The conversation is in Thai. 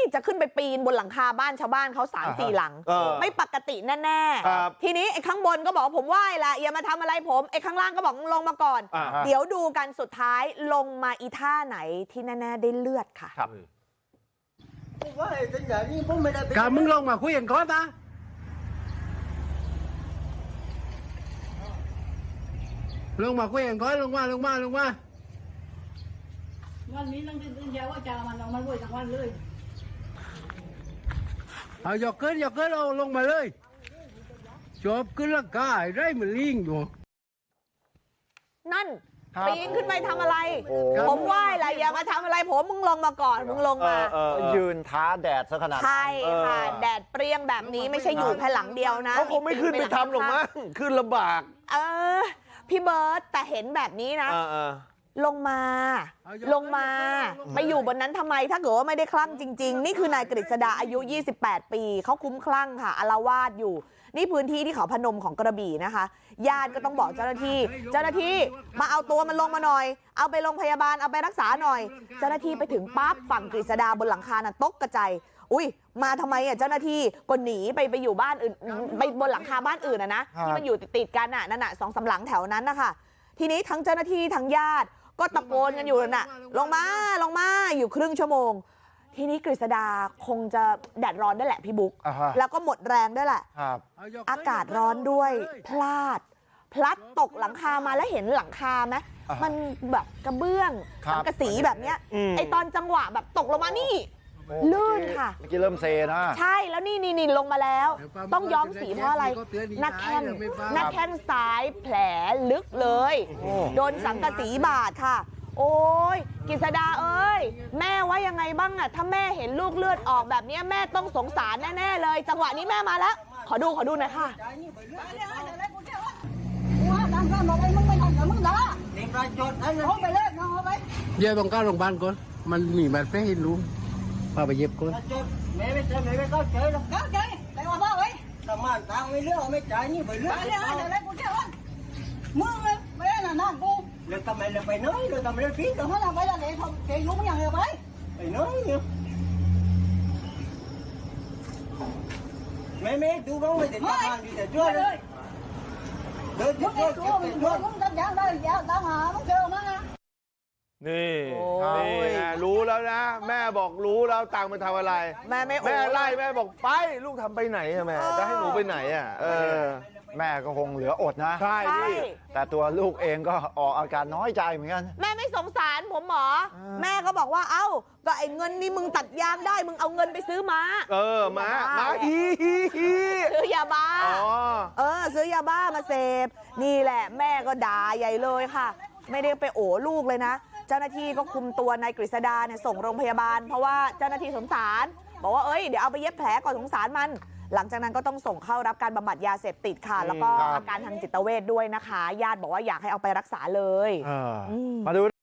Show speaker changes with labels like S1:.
S1: จะขึ้นไปปีนบนหลังคาบ้านชาวบ้านเขา3-4 หลังไม่ปกติแน่ๆทีนี้ไอ้ข้างบนก็บอกผมไหว้ละอย่ามาทำอะไรผมไอ้ข้างล่างก็บอกลงมาก่อนเดี๋ยวดูกันสุดท้ายลงมาอีท่าไหนที่แน่ๆได้เลือดค่ะ
S2: กามึงลงมาคุยกันก่อนนะลงมาคุยกันก่อนลงมา
S3: วันนี้นั่งตื่นเช้าว่าจะมันออกมาด้วยทั้งวันเลย
S2: เอาหยอกเกินเอาลงมาเลยจบขึ้นร่างกายได้เหมือนลิงอยู่
S1: นั่นปีนขึ้นไปทำอะไรผมไหว้ละอย่ามาทำอะไรผมมึงลงมาก่อนมึงลงมา
S4: ยืนท้าแดดซะขนาด
S1: ใช่ค่ะแดดเปรี้ยงแบบนี้ไม่ใช่อยู่แค่หลังเดียวนะ
S4: เขาคงไม่ขึ้นไปทำหรอกมั้งขึ้นลำบาก
S1: พี่เบิร์ตแต่เห็นแบบนี้นะลงมาไปอยู่บนนั้นทำไมถ้าเกิดว่าไม่ได้คลั่งจริงๆนี่คือนายกฤษดาอายุ28 ปีเขาคุ้มคลั่งค่ะอาละวาดอยู่นี่พื้นที่ที่เขาพนมของกระบี่นะคะญาติก็ต้องบอกเจ้าหน้าที่มาเอาตัวมันลงมาหน่อยเอาไปโรงพยาบาลเอาไปรักษาหน่อยเจ้าหน้าที่ไปถึงปั๊บฝั่งกฤษดาบนหลังคาน่ะตกกระจายอุ้ยมาทำไมเจ้าหน้าที่ก็หนีไปอยู่บ้านอื่นไปบนหลังคาบ้านอื่นนะที่มันอยู่ติดกันนั่นน่ะ2-3 หลังแถวนั้นนะคะทีนี้ทั้งเจ้าหน้าที่ทั้งญาติก็ตะโกนกันอยู่น่ะลงมาอยู่ครึ่งชั่วโมงทีนี้กฤษดาคงจะแดดร้อนได้แหละพี่บุ๊กแล้วก็หมดแรงด้วยแหละอากาศร้อนด้วยพลัดตกหลังคามาแล้วเห็นหลังคาไหมมันแบบกระเบื้องสังกะสีแบบเนี้ยไอตอนจังหวะแบบตกลงมานี่ลื่นค่ะ
S4: เมื่อกี้เริ่มเซนะ
S1: ใช่แล้วนี่ลงมาแล้วต้องย้อมสีเพราะอะไรหน้าแข้งซ้ายแผลลึกเลยโดนสังกะสีบาดค่ะโอ้ยกฤษดาเอ้ยแม่ว่ายังไงบ้างอะถ้าแม่เห็นลูกเลือดออกแบบนี้แม่ต้องสงสารแน่ๆเลยจังหวะนี้แม่มาแล้วขอดูหน่อยค่ะ
S2: เดี๋ยวต้องก้าวลงบ้านก่อนมันมีบาดแผลให้ลุงพาไปเย็บก่อน
S3: แม่ไม่เข้าใจหรอกเข้าใจแต่ว่าพ่อไว้ทำมันตังไม่เลือกไม่จ่ายนี่ไปเลือกเดี๋ยวกูเจ้ามึงเลยไม่ได้น่ะน้องกูเลือกทำไมเลือกไปน้อยเลือกทำไมเลือกพี่เลือกให้เราไปแล้วเดี๋ยวทำเกยยุ่งอย่างเดียวไปน้อยเนี่ยไม่ดูน้องไม่ติดตามดีแต่ช่วยเลยเดินช่วยมึงทำอย่างไรอย่าตามหามึงเจอมั้งนะ
S4: นี่รู้แล้วนะแม่บอกรู้แล้วตังมันทำอะไร
S1: แม่
S4: ไล่แม่บอกไปลูกทำไปไหนอะแม่จะให้หนูไปไหนอะแม่ก็คงเหลืออดนะ
S1: ใช่
S4: แต่ตัวลูกเองก็ออกอาการน้อยใจเหมือนกัน
S1: แม่ไม่สงสารผมหมอแม่ก็บอกว่าเอ้าก็ไอ้เงินนี่มึงตัดยางได้มึงเอาเงินไปซื้อม้า
S4: ม้า
S1: ซื้อยาบ้าซื้อยาบ้ามาเสพนี่แหละแม่ก็ด่าใหญ่เลยค่ะไม่ได้ไปโอ้ลูกเลยนะเจ้าหน้าที่ก็คุมตัวนายกฤษดาเนี่ยส่งโรงพยาบาลเพราะว่าเจ้าหน้าที่สงสารบอกว่าเดี๋ยวเอาไปเย็บแผลก่อนสงสารมันหลังจากนั้นก็ต้องส่งเข้ารับการบำบัดยาเสพติดค่ะแล้วก็อาการทางจิตเวชด้วยนะคะญาติบอกว่าอยากให้เอาไปรักษาเลย
S4: มาดู